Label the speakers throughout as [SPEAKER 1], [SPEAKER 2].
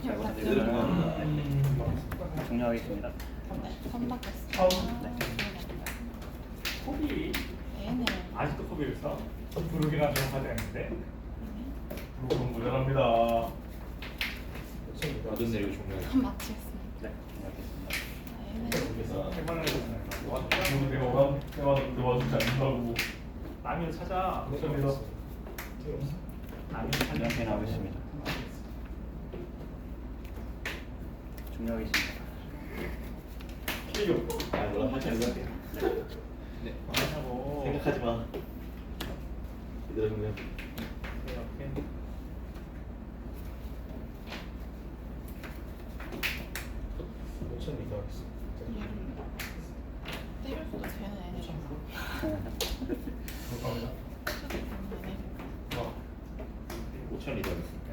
[SPEAKER 1] 잘
[SPEAKER 2] 부탁드립니다.
[SPEAKER 1] 부탁드립니다. 종료하겠습니다.
[SPEAKER 3] 네, 선박했습니다.
[SPEAKER 4] 코비
[SPEAKER 3] 네네.
[SPEAKER 4] 아직도 코비를 써? 부르기나 좀 하자 했는데 부르기 모자랍니다.
[SPEAKER 2] 어떤 내리고 종료해.
[SPEAKER 3] 마치겠습니다.
[SPEAKER 1] 네, 종료하겠습니다.
[SPEAKER 3] 네네.
[SPEAKER 4] 그래서 해만을 해주잖아요. 내가 오감 때마다 와주지 않는다고. 남이 찾아. 감사합니다. 남이 찾아.
[SPEAKER 1] 이렇게 나오겠습니다. 종료하겠습니다.
[SPEAKER 4] 키교.
[SPEAKER 2] 아 몰라 할줄 알게. 네.
[SPEAKER 4] 하고.
[SPEAKER 2] 생각하지 마. 얘들아 그러면
[SPEAKER 4] 이렇게.
[SPEAKER 2] 5천 미터 하겠습니다.
[SPEAKER 3] 때릴 수도 되는 애네죠.
[SPEAKER 4] 감사합니다. 와.
[SPEAKER 2] 5천 리터 하겠습니다.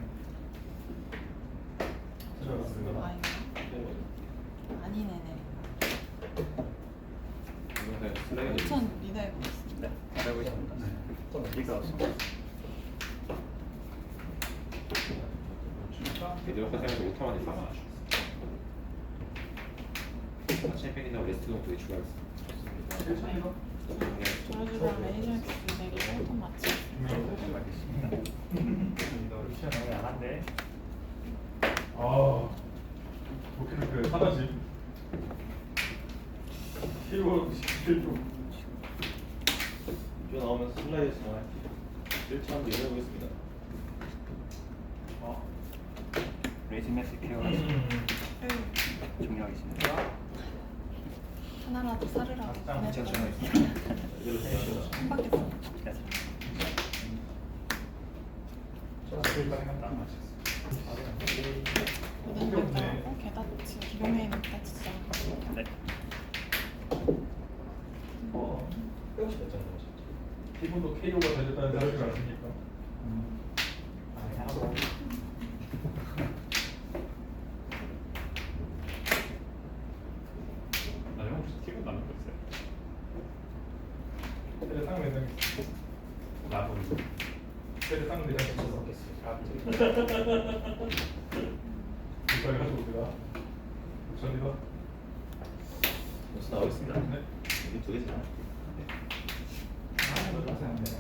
[SPEAKER 4] 수고하셨습니다.
[SPEAKER 3] 아닌가? 아니네네.
[SPEAKER 2] 동영상 슬라이드.
[SPEAKER 3] 5천 리더해 보겠습니다.
[SPEAKER 1] 네, 잘하고 있습니다. 이거 없습니다.
[SPEAKER 2] 얘들 화장에서 5타만 있어. 챔피언이나 레스트도 두개 추가하겠습니다.
[SPEAKER 4] 괜찮아요.
[SPEAKER 3] 저주랑 레이저 엑스 내리고 또 마치.
[SPEAKER 1] 종료하겠습니다.
[SPEAKER 4] 루시안 너무 야한데. 아, 도쿄를 하나씩. 키워 시키고.
[SPEAKER 2] 이거 나오면 슬라이드 정말 1차 한번 열어보겠습니다.
[SPEAKER 1] 레이징 매스 케어 종료하겠습니다.
[SPEAKER 3] 하나라도 사르라고
[SPEAKER 4] 괜찮죠?
[SPEAKER 3] 보냈더니
[SPEAKER 2] 이대로 해주시죠.
[SPEAKER 3] 선박했습니다.
[SPEAKER 1] 네.
[SPEAKER 4] 일단 한다.
[SPEAKER 3] 고된 결정하고 게다치 기동에 다치지 않고.
[SPEAKER 1] 네.
[SPEAKER 2] 빼고 싶다 했잖아요.
[SPEAKER 4] 기분도 KO가 되셨다는 생각이 아십니까? 아니 하고. 나중에 혹시 티고 나는 거 있어요? 때려 상면 된다는 게 있어. 나도 때려 상면 된다는 게 있어. 이빨 가지고 우리가 감사합니다.
[SPEAKER 2] 벌써 나오겠습니다.
[SPEAKER 4] 네.
[SPEAKER 2] 여기 두 개잖아.
[SPEAKER 4] 아, 이거 감사합니다.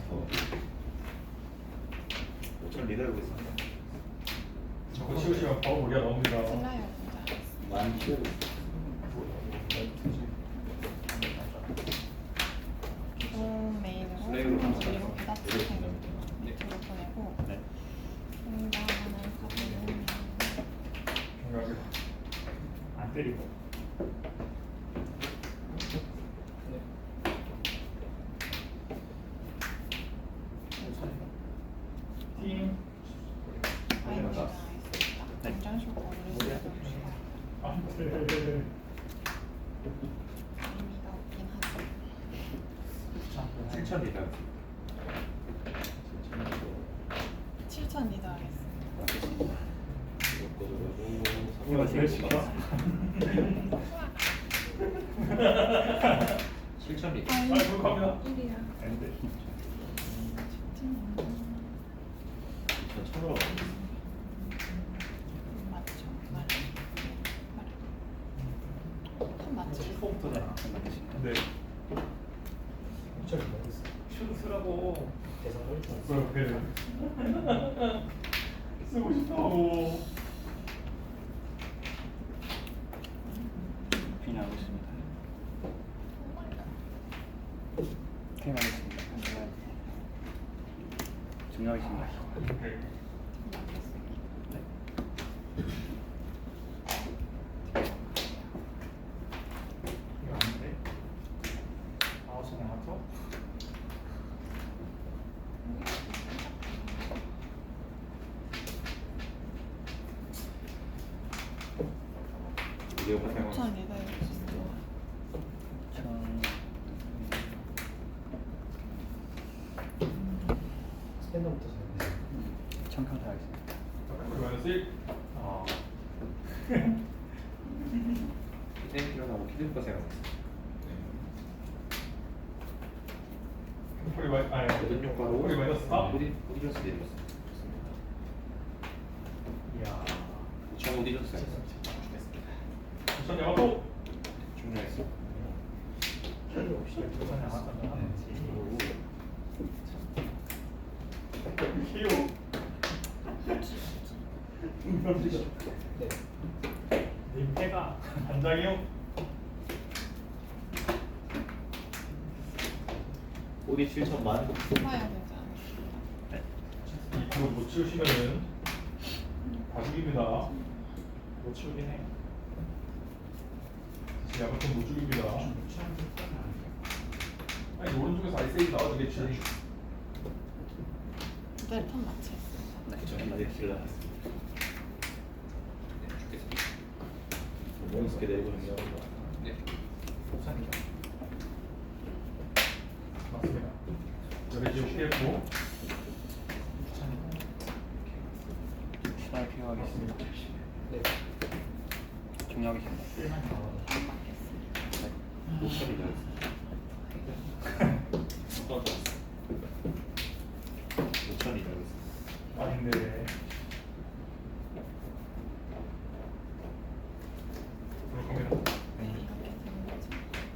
[SPEAKER 2] 5천 리더 해보겠습니다.
[SPEAKER 4] 자꾸 치우시면 바로 우리가 나옵니다.
[SPEAKER 3] 슬라이어 먼저 하겠습니다.
[SPEAKER 2] 많이 키우고
[SPEAKER 3] 기동 메인으로
[SPEAKER 2] 슬라이드로
[SPEAKER 3] 선박
[SPEAKER 2] 감사합니다.
[SPEAKER 3] 그리고 게다치
[SPEAKER 2] 내려 보냅니다.
[SPEAKER 3] 밑으로 보내고
[SPEAKER 1] 네.
[SPEAKER 3] 중단하는 카드는
[SPEAKER 4] 중요하게 안 때리고. 팀.
[SPEAKER 3] 아이디가 있습니다. 당장 쇼크를 해주시고
[SPEAKER 4] 안 돼.
[SPEAKER 3] 의미가 없긴 하죠.
[SPEAKER 2] 7천 리더.
[SPEAKER 3] 7천 리더 하겠습니다.
[SPEAKER 4] 이거 제일 시켜.
[SPEAKER 2] 7천 리더.
[SPEAKER 4] 아, 그거 갑니다.
[SPEAKER 3] 1이야.
[SPEAKER 4] 안 돼.
[SPEAKER 2] 전 천으로 가겠습니다.
[SPEAKER 3] 맞죠. 한 맞죠.
[SPEAKER 4] 처음부터잖아.
[SPEAKER 1] 알겠습니다.
[SPEAKER 4] 네.
[SPEAKER 2] 5천 리더 하겠습니다.
[SPEAKER 4] 춤추라고.
[SPEAKER 2] 대상을
[SPEAKER 4] 그렇게. 쓰고 싶다고.
[SPEAKER 1] 종료하겠습니다. 퇴임하겠습니다. 종료하겠습니다.
[SPEAKER 4] 오케이.
[SPEAKER 1] 네.
[SPEAKER 4] 이거 아닌데? 아웃은 하죠?
[SPEAKER 2] 이대호 화장은
[SPEAKER 3] 5천 리더 해주시죠.
[SPEAKER 1] 천...
[SPEAKER 2] 스탠더부터 사용해요.
[SPEAKER 1] 청평 하겠습니다.
[SPEAKER 4] 그러면 쓰일. 아.
[SPEAKER 2] 키드 일어나고 키드부터 사용하겠습니다.
[SPEAKER 4] 폴리 마이 아니.
[SPEAKER 2] 모든 효과로
[SPEAKER 4] 폴리 마이너스 4.
[SPEAKER 2] 오디셔스 내리겠습니다. 좋습니다.
[SPEAKER 4] 이야.
[SPEAKER 2] 5천 못 잊었어요.
[SPEAKER 4] 부산 야마토.
[SPEAKER 2] 중요했어.
[SPEAKER 4] 부산 야마토는 하는지. 키요. 님 패가 단장이요.
[SPEAKER 2] 어디 7천만?
[SPEAKER 3] 뽑아야 되지 않을까?
[SPEAKER 4] 이거 못 치우시면은 봐주기입니다. 못 치우긴 해. 진짜 야마토 못 죽입니다. 아니 오른쪽에서 아이세이 나와주겠지.
[SPEAKER 3] 네, 턴 마치겠습니다.
[SPEAKER 2] 저희는 길 나왔습니다. 몬스케 내고 있는 거. 네.
[SPEAKER 4] 부산이죠. 맞습니다. 여기 지금 피했고.
[SPEAKER 1] 시간이 필요하겠습니다.
[SPEAKER 4] 네.
[SPEAKER 1] 중요하겠습니다.
[SPEAKER 3] 턴 맞겠습니다.
[SPEAKER 2] 모처리 나왔습니다. 모처리 나왔습니다.
[SPEAKER 4] 아닌데. 들어갑니다.
[SPEAKER 3] 네, 이렇게 되는 거죠.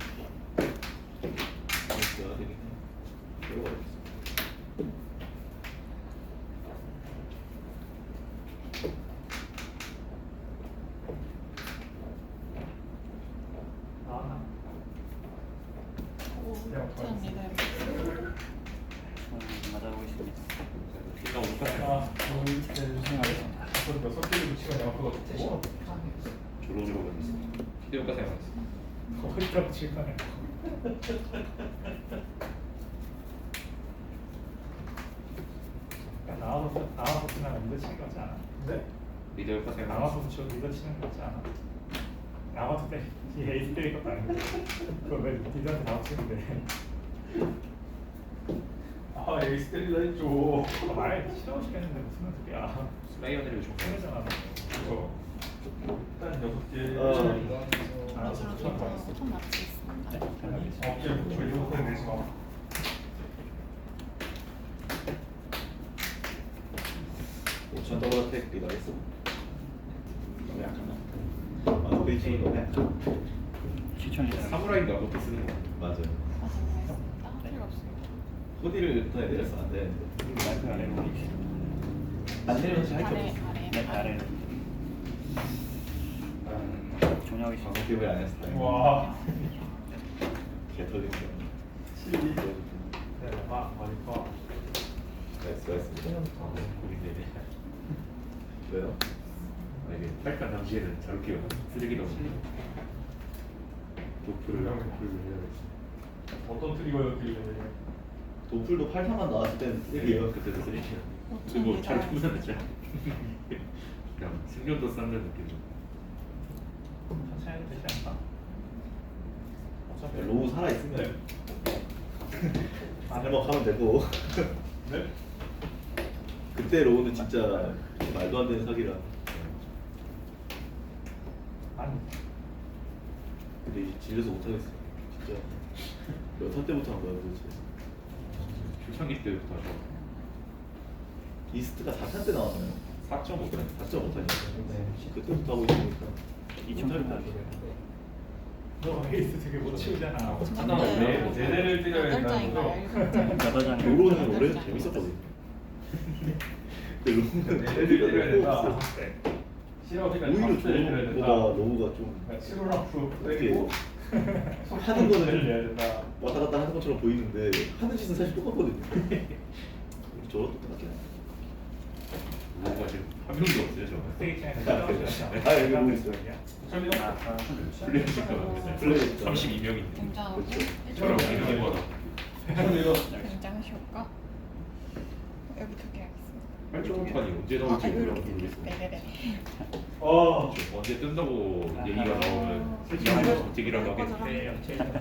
[SPEAKER 2] 몬스케가 되긴 해. 매우 어렵습니다.
[SPEAKER 4] 나왔나?
[SPEAKER 3] 오,
[SPEAKER 4] 네,
[SPEAKER 3] 턴 리더로.
[SPEAKER 1] 맞아보겠습니다.
[SPEAKER 2] 일단 오빠가
[SPEAKER 4] 하나, 둘, 셋,
[SPEAKER 1] 수행하겠습니다.
[SPEAKER 4] 다섯, 여섯 개를 붙이면 야마토가 좋고.
[SPEAKER 2] 조로조로 가겠습니다. 히데오카 사용하겠습니다.
[SPEAKER 4] 거기다 붙일 거네. 나와서 치면 리더 치는 거지 않아? 네?
[SPEAKER 2] 히데오카
[SPEAKER 4] 나와서
[SPEAKER 2] 사용하겠습니다.
[SPEAKER 4] 붙여 리더 치는 거지 않아? 나와서 때 에이스 때릴 것도 아니고 그걸 왜 리더한테 나와 치는데? 아 에이스 때리려 했죠. 말 싫어하시겠는데 무슨 소리야?
[SPEAKER 2] 슬라이어들이 좋고.
[SPEAKER 4] 힘들잖아. 그거 일단 6개. 알아서
[SPEAKER 3] 턴
[SPEAKER 4] 붙여 봐.
[SPEAKER 3] 턴 마치겠습니다.
[SPEAKER 4] 어깨 붙여 이렇게 내지 마.
[SPEAKER 2] 오천 더블 어택 리더했어. 너무 약하나? 아, 베이징이 너무 약하.
[SPEAKER 1] 추천입니다.
[SPEAKER 2] 사무라이가 그렇게 쓰는 거. 맞아요.
[SPEAKER 3] 맞아보겠습니다. 필요 없습니다.
[SPEAKER 2] 호디를 더 내렸어 안 되는데.
[SPEAKER 1] 마이크 아래로 올리겠습니다.
[SPEAKER 2] 안 내려서 할게
[SPEAKER 3] 아래,
[SPEAKER 2] 없어.
[SPEAKER 3] 아래.
[SPEAKER 1] 네, 아래로.
[SPEAKER 2] 아,
[SPEAKER 1] 중요하겠습니다.
[SPEAKER 2] 기억을 안 했어.
[SPEAKER 4] 와.
[SPEAKER 2] 개 터진 거.
[SPEAKER 4] 12. 네, 머리파.
[SPEAKER 2] 나이스 나이스. 우리네. 왜요? 아, 이게 팔까 당시에는 저렇게 쓰레기로 도플을 해야 돼.
[SPEAKER 4] 어떤 트리거였길래?
[SPEAKER 2] 도플도 8타만 나왔을 때는 쓰레기예요. 그때도 쓰레기야. 그리고 잘 충전했죠. 그냥 생존도 쌓는 느낌.
[SPEAKER 4] 천천히 해도 되지 않나? 어차피
[SPEAKER 2] 로우 살아 있으면
[SPEAKER 4] 네.
[SPEAKER 2] 해먹하면 되고.
[SPEAKER 4] 네?
[SPEAKER 2] 그때 로우는 진짜 말도 안 되는 사기라.
[SPEAKER 4] 아니.
[SPEAKER 2] 근데 이제 질려서 못 하겠어. 진짜. 몇 턴 때부터 한 거야 도대체? 초창기 때부터 하죠. 이스트가 4탄 때 나왔나요? 4.5탄. 4.5탄이요. 그때부터 하고 있으니까.
[SPEAKER 1] 2,800.
[SPEAKER 4] 너 에이스 되게 못 치우잖아.
[SPEAKER 3] 네.
[SPEAKER 4] 제대를 때려야
[SPEAKER 3] 여덟
[SPEAKER 4] 된다는
[SPEAKER 3] 장인가요?
[SPEAKER 4] 거죠?
[SPEAKER 3] 일곱 장?
[SPEAKER 1] 여덟 장.
[SPEAKER 2] 로로는 원래 재밌었거든. 근데 로우는
[SPEAKER 4] 제대를 때려야 된다.
[SPEAKER 2] 없어.
[SPEAKER 4] 싫어하니까
[SPEAKER 2] 오히려
[SPEAKER 4] 때려야 된다.
[SPEAKER 2] 조로보다 로우가 좀
[SPEAKER 4] 7월
[SPEAKER 2] 이렇게
[SPEAKER 4] 때리고
[SPEAKER 2] 하는 거는
[SPEAKER 4] 내야 된다.
[SPEAKER 2] 왔다 갔다 하는 것처럼 보이는데 하는 짓은 사실 똑같거든요. 저것도 똑같긴 해. 로우가 지금 한 명도 없어요 저.
[SPEAKER 4] 스테이지 차이는
[SPEAKER 2] 아, 여기 로우 있어요. 플레이
[SPEAKER 1] 32명인데.
[SPEAKER 3] 굉장하고
[SPEAKER 2] 그렇죠.
[SPEAKER 1] 저랑 이렇게
[SPEAKER 2] 뭐
[SPEAKER 3] 굉장히 효과. 여기 두 개 하겠습니다.
[SPEAKER 2] 8.5판이 언제
[SPEAKER 3] 아,
[SPEAKER 2] 나올지
[SPEAKER 3] 이렇게
[SPEAKER 2] 모르겠어요.
[SPEAKER 3] 됐어요. 네네네.
[SPEAKER 2] 언제 뜬다고 얘기가 나오면
[SPEAKER 3] 아,
[SPEAKER 2] 솔직이라고 하겠지.
[SPEAKER 4] 네,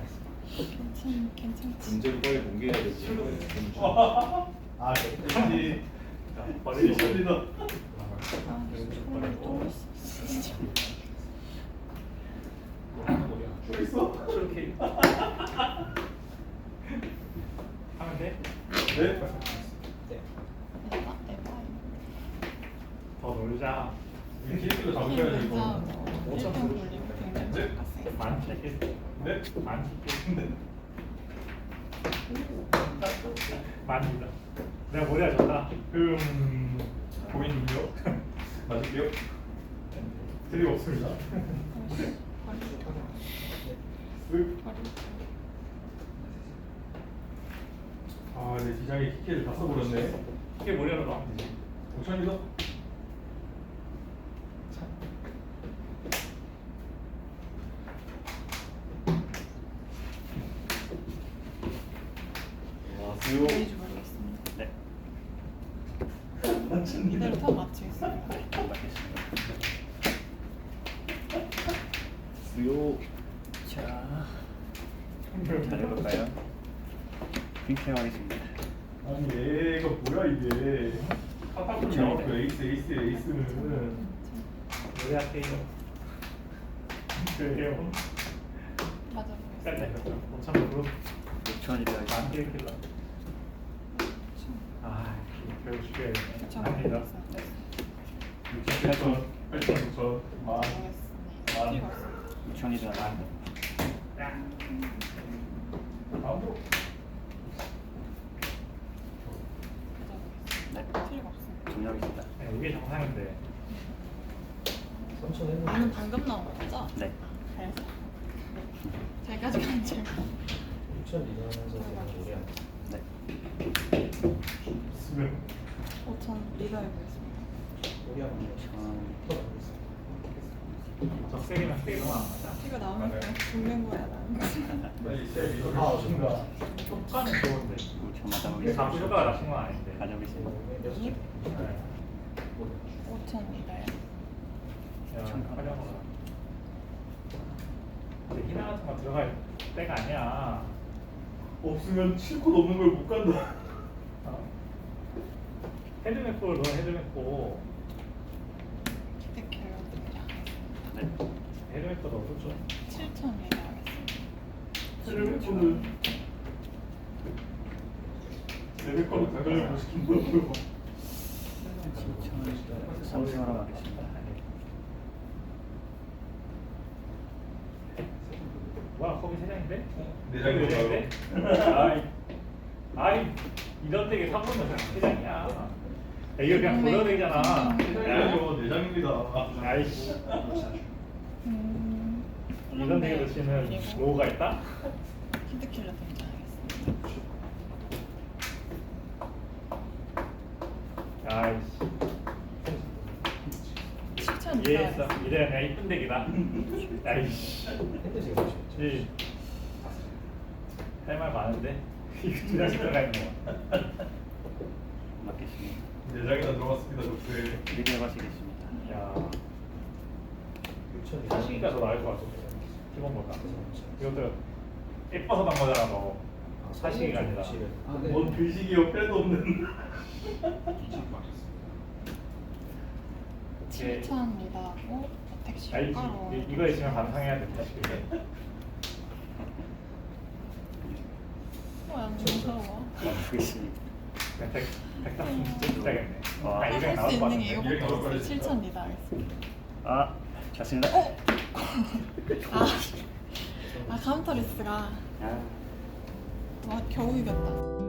[SPEAKER 3] 괜찮지.
[SPEAKER 2] 문제를 빨리 공개해야 되지.
[SPEAKER 4] 아, 네. 버리시다.
[SPEAKER 3] 아, 또 있어.
[SPEAKER 4] 있어? 저렇게 하면 돼? 네.
[SPEAKER 3] 에바, 에바.
[SPEAKER 4] 더 놀자. 키리킬로 잡으셔야 돼 이거.
[SPEAKER 3] 1등 굴리고 굉장히
[SPEAKER 4] 네?
[SPEAKER 3] 빡세요.
[SPEAKER 4] 많이 깼어. 네? 많이 깼는데. 많이다. 내가 머리 하셨다. 고민이요? 맞을게요. 틀림없습니다. 아, 내 디장에 키키를 다 써버렸네. 키키 머리 하나 봐. 5천이다.
[SPEAKER 2] 와 수요.
[SPEAKER 3] 보이지 모르겠습니다.
[SPEAKER 1] 네.
[SPEAKER 3] 이대로 다 맞추겠습니다.
[SPEAKER 1] 맞겠습니다.
[SPEAKER 2] 수요.
[SPEAKER 1] 자, 잘해볼까요? 핑크형 하겠습니다.
[SPEAKER 4] 아니 얘가 뭐야 이게. 카타쿠리 나왔고 에이스는. 노래 할게요. 그래요.
[SPEAKER 3] 맞아보겠습니다.
[SPEAKER 4] 5,000으로
[SPEAKER 1] 6천이 되어
[SPEAKER 4] 안 킬킬러. 아, 결국 죽여야겠네.
[SPEAKER 3] 그쵸.
[SPEAKER 4] 아니다.
[SPEAKER 3] 네.
[SPEAKER 4] 6,000, 8,000, 9,000, 만.
[SPEAKER 3] 모르겠습니다. 필요가 없어요.
[SPEAKER 1] 6천이 되어
[SPEAKER 4] 다음으로.
[SPEAKER 1] 네.
[SPEAKER 3] 필요가 없어요.
[SPEAKER 1] 정리하겠습니다.
[SPEAKER 4] 네, 이게 정상인데.
[SPEAKER 3] 나는 방금 나온 거죠?
[SPEAKER 1] 네.
[SPEAKER 3] 그래서 제가 지금 질문.
[SPEAKER 5] 6천 리더하면서 제가 오래 안
[SPEAKER 1] 네.
[SPEAKER 4] 쓰면
[SPEAKER 3] 5천 리더해보겠습니다.
[SPEAKER 5] 오래 안
[SPEAKER 4] 적색이랑 색이 너무 안 맞아.
[SPEAKER 3] 이거 나오면 그냥 죽는 거야 나는.
[SPEAKER 4] 빨리 셀 리더를 하신가. 효과는 좋은데.
[SPEAKER 1] 5천
[SPEAKER 4] 이게
[SPEAKER 1] 맞아보겠습니다.
[SPEAKER 4] 감수 효과가 나신 건 아닌데.
[SPEAKER 1] 가져보겠습니다.
[SPEAKER 3] 이
[SPEAKER 4] 네.
[SPEAKER 3] 5천 리더요.
[SPEAKER 4] 그냥 활용하라. 근데 희나 같은 거 들어갈 때가 아니야. 없으면 7코 넘는 걸 못 간다. 헤드맥포를 넣어 헤드맥포.
[SPEAKER 3] 기대 결과입니다.
[SPEAKER 1] 네.
[SPEAKER 4] 헤드맥포 넣어줬죠.
[SPEAKER 3] 7천 리더 하겠습니다.
[SPEAKER 4] 헤드맥포는 레벨컵을 가격을 못 시킨다고요.
[SPEAKER 1] 7천 3천으로 하겠습니다.
[SPEAKER 4] 와 거기 세 장인데?
[SPEAKER 2] 네 장이네.
[SPEAKER 4] 아이 이런 되게 3분 넣으면 세 장이야. 야, 이거 그냥 돌려도 되잖아.
[SPEAKER 2] 아니요 내장입니다.
[SPEAKER 4] 아이씨.
[SPEAKER 3] 음.
[SPEAKER 4] 이런 되게 넣으시면 로우가 있다?
[SPEAKER 3] 키드킬러 등장하겠습니다.
[SPEAKER 4] 아이씨.
[SPEAKER 3] 7천 리더
[SPEAKER 4] 이해했어.
[SPEAKER 3] 하겠습니다.
[SPEAKER 4] 이래야 그냥 이쁜 덱이다. 아이씨.
[SPEAKER 5] 핸드 제가 맞죠?
[SPEAKER 4] 할말 많은데 이거 두 장씩 들어가 있는 거.
[SPEAKER 1] 맞겠습니다.
[SPEAKER 4] 내장이나 들어갔습니다, 독수에.
[SPEAKER 1] 리뷰 하시겠습니다.
[SPEAKER 4] 야,
[SPEAKER 5] 6천
[SPEAKER 4] 사시기가 더 나을 것 같은데. 기본보다. 이것도 예뻐서 난 거잖아, 너. 사시기가 아니라. 뭔 글식이 옆에도 없는.
[SPEAKER 3] 7천 리더하고 택시
[SPEAKER 4] 아이,
[SPEAKER 3] 효과로.
[SPEAKER 4] 이거 있으면 반성해야 된다, 지금.
[SPEAKER 3] 안 무서워.
[SPEAKER 1] 맞겠습니다.
[SPEAKER 4] 그냥 덱 진짜 비싸겠네.
[SPEAKER 1] 와.
[SPEAKER 4] 아, 200
[SPEAKER 3] 할
[SPEAKER 4] 나올
[SPEAKER 3] 수
[SPEAKER 4] 것
[SPEAKER 3] 있는 게
[SPEAKER 4] 같은데.
[SPEAKER 3] 이거밖에
[SPEAKER 4] 200 나올
[SPEAKER 3] 없어요.
[SPEAKER 4] 것
[SPEAKER 3] 7천 리더 하겠습니다.
[SPEAKER 1] 아, 좋습니다.
[SPEAKER 3] 아 카운터 리스가
[SPEAKER 1] 아.
[SPEAKER 3] 겨우 이겼다.